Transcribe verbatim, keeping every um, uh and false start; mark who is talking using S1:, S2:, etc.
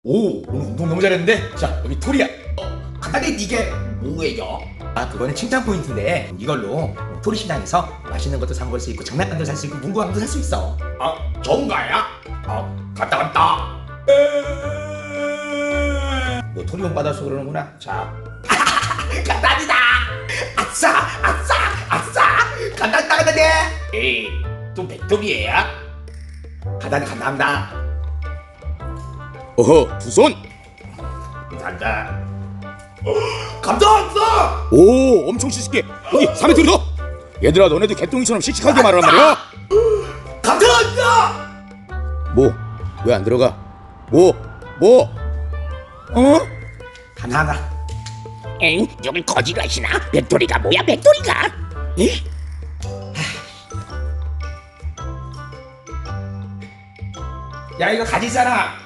S1: 오, 운동 너무 잘했는데? 자, 여기 톨이야.
S2: 어, 간단히 이게 뭐예요?
S1: 아, 그거는 칭찬 포인트인데 이걸로 톨이 시장에서 맛있는 것도 사 먹을 수 있고 장난감도 살 수 있고 문구왕도 살 수 있어.
S2: 아, 좋은가야? 아, 갔다 갔다.
S1: 너 톨이 못 받아서 그러는구나. 자,
S2: 간단이다. 아싸, 아싸, 아싸. 간단다, 간단해. 에이, 또 백돌이에요? 간단히 간단합니다.
S3: 어허, 두 손!
S2: 간다. 감사합니다.
S3: 오, 엄청 씩씩해. 여기 삼 미터 더! 얘들아, 너네도 개똥이처럼 씩씩하게 말하란 말이야.
S2: 감사합니다.
S3: 뭐? 왜 안 들어가? 뭐? 뭐? 어?
S2: 하나하나.
S4: 엥? 여기 거지가시나? 백돌이가 뭐야 백돌이가? 에?
S1: 야 이거 가지잖아.